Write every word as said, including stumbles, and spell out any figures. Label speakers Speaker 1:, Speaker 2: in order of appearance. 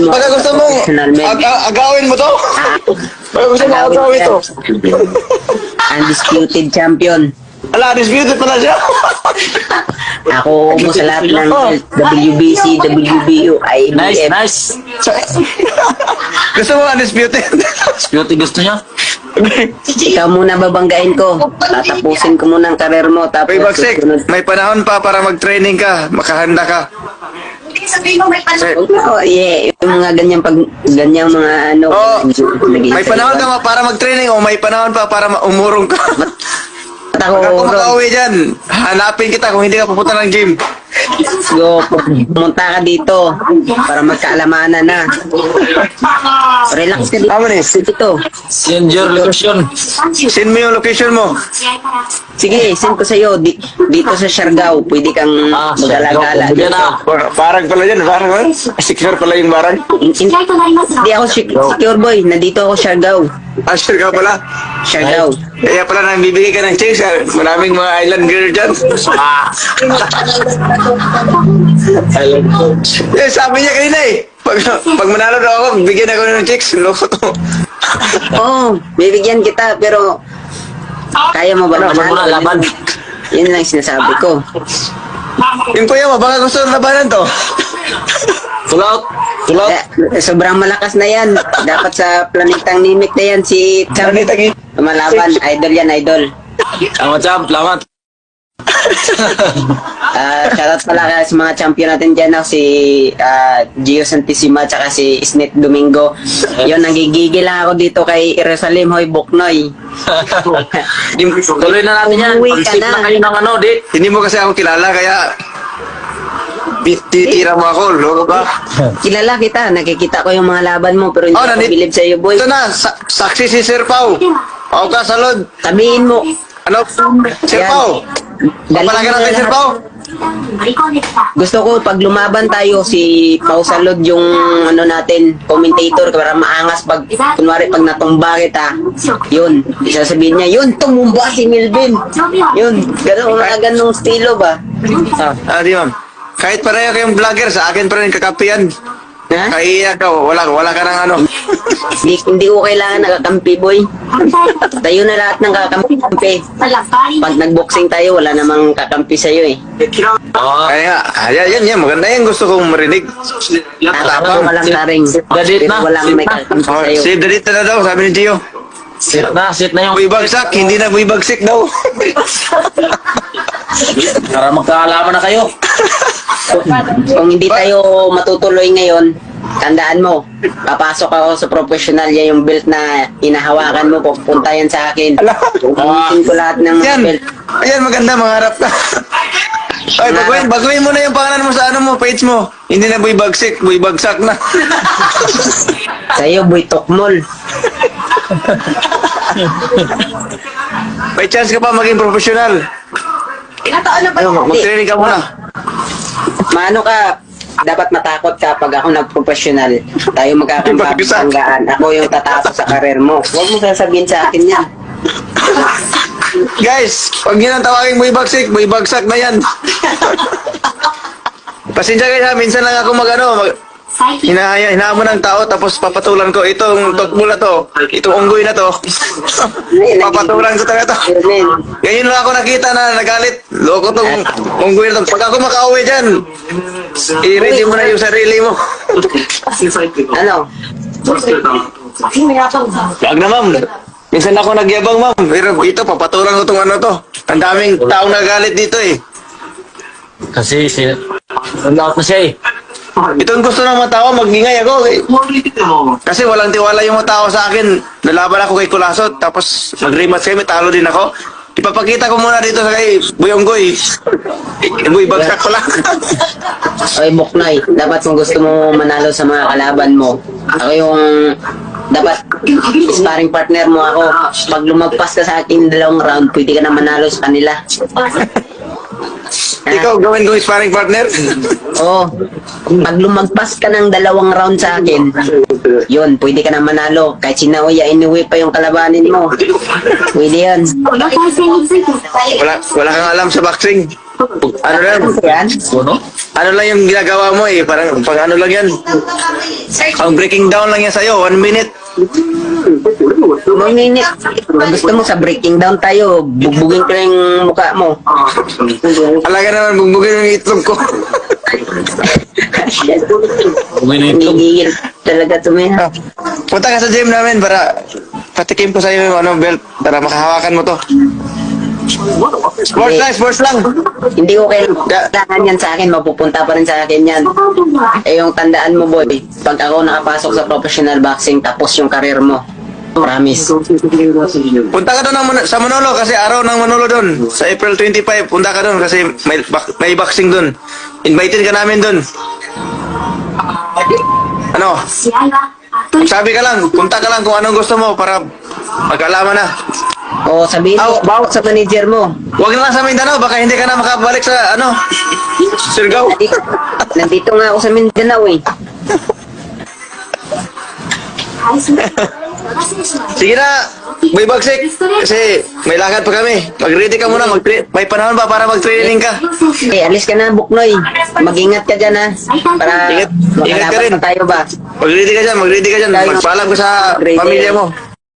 Speaker 1: mo.
Speaker 2: Baka gusto mong
Speaker 1: Professional men.
Speaker 2: ag ag- agawin mo to?
Speaker 1: Ah,
Speaker 2: Baka gusto mong agawin to?
Speaker 1: undisputed champion.
Speaker 2: Ala, disputed pala siya.
Speaker 1: Ako mo sa lahat ng W B C, W B U, I B
Speaker 3: Nice,
Speaker 1: F.
Speaker 3: nice.
Speaker 2: Gusto mo undisputed?
Speaker 3: Beauty gusto niya.
Speaker 1: Ikaw muna babanggain ko. Tatapusin ko muna ang karir mo. Tapos
Speaker 2: Uy, Bagsik,
Speaker 1: susunod.
Speaker 2: may panahon pa para mag-training ka. Makahanda ka.
Speaker 1: Oh, yeah. Yung mga ganyang pag ganyang mga ano.
Speaker 2: Oh,
Speaker 1: nag-iisa-
Speaker 2: may panahon ka para mag-training o may panahon pa para ma- umurong ka.
Speaker 1: Ba't ako
Speaker 2: Pag ako
Speaker 1: urong?
Speaker 2: makauwi dyan, hanapin kita kung hindi ka pupunta ng gym.
Speaker 1: Go, pumunta ka dito para magkaalamanan na. Relax ka dito.
Speaker 2: Tama ni.
Speaker 1: Dito.
Speaker 3: Send your location.
Speaker 2: Send mo yung location mo.
Speaker 1: Sige, send ko sa'yo. Di, dito sa Siargao, pwede kang
Speaker 3: Ah,
Speaker 1: magala-gala.
Speaker 3: Siargao. Yan ah.
Speaker 2: Par- Parang pala yan, parang pala. Secure pala yung barang.
Speaker 1: Hindi ako sec- secure boy. Nandito ako Siargao.
Speaker 2: Ah, sure ka pala.
Speaker 1: Siargao.
Speaker 2: Kaya pala nang bibigay ka ng chicks, ah, maraming mga island girl dyan.
Speaker 3: Ah.
Speaker 2: Eh, sabi niya kanina eh. Pag, pag manalo daw ako, bigyan ako ng chicks. Loko to.
Speaker 1: Oo, bibigyan kita pero kaya mo ba
Speaker 3: Laban mo na, laban.
Speaker 1: Yun lang sinasabi ko.
Speaker 2: Yung kuya mo, baka gusto ng labanan to.
Speaker 3: Pull out. Pull out.
Speaker 1: Eh, sobrang malakas na yan. Dapat sa planetang nimik na yan si Cham. Lumalaban. Idol yan, idol.
Speaker 3: Salamat, champ. Salamat.
Speaker 1: Ah, shoutout pala kaya sa mga champion natin dyan, no? Si ah, Gio Santissima tsaka si Snit Domingo. Yun, nagigigil lang ako dito kay Jerusalem Hoy Buknoy.
Speaker 3: Tuloy na natin yan.
Speaker 1: Umuwi ka
Speaker 3: Pag-sip
Speaker 1: na.
Speaker 3: na kayo ng ano, di.
Speaker 2: Hindi mo kasi ako kilala, kaya bi- titira mo ako, loko ka.
Speaker 1: Kilala kita, nakikita ko yung mga laban mo pero hindi
Speaker 2: Oh,
Speaker 1: ako
Speaker 2: nandit-
Speaker 1: bilib sa'yo, boy.
Speaker 2: Ito na, sa- saksi si Sir Pau. Pau ka, salod.
Speaker 1: Sabihin mo,
Speaker 2: Ano? Sir
Speaker 1: Yan.
Speaker 2: Pau. Papalaga
Speaker 1: mo
Speaker 2: natin,
Speaker 1: na
Speaker 2: Sir
Speaker 1: lahat.
Speaker 2: Pau.
Speaker 1: Gusto ko pag lumaban tayo si Pau Salud yung ano natin, commentator para maangas pag kunwari pag natumba kita. Yun, isasabihin niya, yun tumumba si Milvin. Yun, ganun mga ganung estilo ba? Ah,
Speaker 2: Ah, di ma'am. Kahit pareho kayong vlogger, sa akin pa rin kakapian.
Speaker 1: ha?
Speaker 2: Kaya ka, wala, wala ka ng ano.
Speaker 1: Hindi, hindi ko kailangan nakakampi, boy. Tayo na lahat ng kakampi. Pag nagboxing tayo, wala namang kakampi sa'yo eh.
Speaker 3: Oo.
Speaker 2: Kaya, ayan, yan, yan, maganda yan, gusto kong marinig.
Speaker 1: Tatapang walang taring.
Speaker 3: Dadit
Speaker 1: Pero
Speaker 3: na.
Speaker 1: walang may kakampi
Speaker 2: Oh,
Speaker 1: sa'yo.
Speaker 2: save the date na daw, sabi ni Gio.
Speaker 3: Sit na, sit na yung...
Speaker 2: Buy bagsak, hindi na buy bagsik daw.
Speaker 3: Para magkaalaman na kayo.
Speaker 1: Kung hindi tayo matutuloy ngayon, tandaan mo, papasok ako sa professional, yan yung belt na inahawakan mo, pupunta yan sa akin. Gamitin ko lahat ng mga
Speaker 2: Yan,
Speaker 1: belt.
Speaker 2: ayan, maganda, mangarap ka. Ay, baguhin, baguhin mo na yung pangalan mo sa ano mo, page mo. Hindi na buy bagsik, buy bagsak na.
Speaker 1: Sa'yo, boy, tokmol.
Speaker 2: May chance ka pa maging professional. Ayun, mag-training ka muna.
Speaker 1: Maano ka, dapat matakot ka pag ako nag-professional. Tayo magkakampanggaan. Ako yung tatapos sa karir mo. Huwag mo sasabihin sa akin yan.
Speaker 2: Guys, pag yun ang tawagin buy bagsik, buy bagsak na yan. Pasensya kayo ha, minsan lang ako mag ano, mag, hinahaya, hinahamon ng tao tapos papatulan ko itong tokbo na to, itong unggoy na to. Papatulan ko talaga to.
Speaker 1: Yun,
Speaker 2: Ngayon lang ako nakita na nagalit. Loko tong unggoy na to. Pag ako makauwi dyan, i-ready mo na yung sarili mo.
Speaker 1: ano?
Speaker 2: Wag na ma'am. Minsan ako nagyabang ma'am. Pero ito, papatulan ko tong ano to. Ang daming taong nagalit dito eh.
Speaker 3: Kasi si... Out na siya eh.
Speaker 2: Itong gusto ng mga tao, magingay ako eh. Kasi walang tiwala yung mga tao sa akin. Nalaban ako kay Kulasot, tapos mag-rematch kami, talo din ako. Ipapakita ko muna dito sa kay Buyonggoy. Boy, bagsak ko lang.
Speaker 1: Oy, Buknoy, dapat kung gusto mo manalo sa mga kalaban mo, ako yung dapat sparring partner mo ako. Pag lumagpas ka sa akin dalawang round, pwede ka na manalo sa kanila.
Speaker 2: Ikaw, gawin kong sparring partner.
Speaker 1: Oo. Pag lumagpas ka ng dalawang round sa akin, yun, pwede ka na manalo. Kahit sinauya, inuwi pa yung kalabanin mo. Pwede yan.
Speaker 2: Wala, wala kang alam sa boxing. Ano lang,
Speaker 1: Yan.
Speaker 3: Ano?
Speaker 2: ano lang yung ginagawa mo eh, parang pang ano lang yan. Ang breaking down lang yan sa'yo, one minute.
Speaker 1: Mga minute. Kung gusto mo sa breaking down tayo, bugbugin ko na yung mukha mo.
Speaker 2: Alaga naman, bugbugin yung itlog ko.
Speaker 3: Uwi na ito.
Speaker 1: Nagigil talaga tumina.
Speaker 2: Punta ka sa gym namin para patikim ko sa'yo yung ano, belt para makahawakan mo to. Sports lang, sports lang.
Speaker 1: Hindi ko kailangan yan sa akin, mapupunta pa rin sa akin yan. Eh yung tandaan mo boy, pag ako nakapasok sa professional boxing tapos yung karir mo, promise.
Speaker 2: Punta ka doon ng Mon- sa Manolo kasi araw ng Manolo doon. Sa April twenty-five, punta ka doon kasi may, bak- may boxing doon. Invited ka namin doon. Ano? Sabi ka lang, punta ka lang kung anong gusto mo para magkaalaman na.
Speaker 1: O sabihin mo,
Speaker 2: Aw.
Speaker 1: bawat sa manager mo.
Speaker 2: Huwag na lang sa Mindanao, baka hindi ka na makabalik sa ano, Surigao.
Speaker 1: Nandito, nandito nga ako sa Mindanao eh.
Speaker 2: Sige na, may bagsik. Kasi may lakad pa kami. Mag-ready ka muna, mag may panahon ba para mag-training ka?
Speaker 1: Eh, alis ka na, Buknoy. Mag-ingat ka dyan ha. Para
Speaker 2: Ingat- ingat ka
Speaker 1: makalaban
Speaker 2: rin.
Speaker 1: pa tayo ba?
Speaker 2: Mag-ready ka dyan, mag-ready ka dyan. Magpaalam ko sa pamilya mo.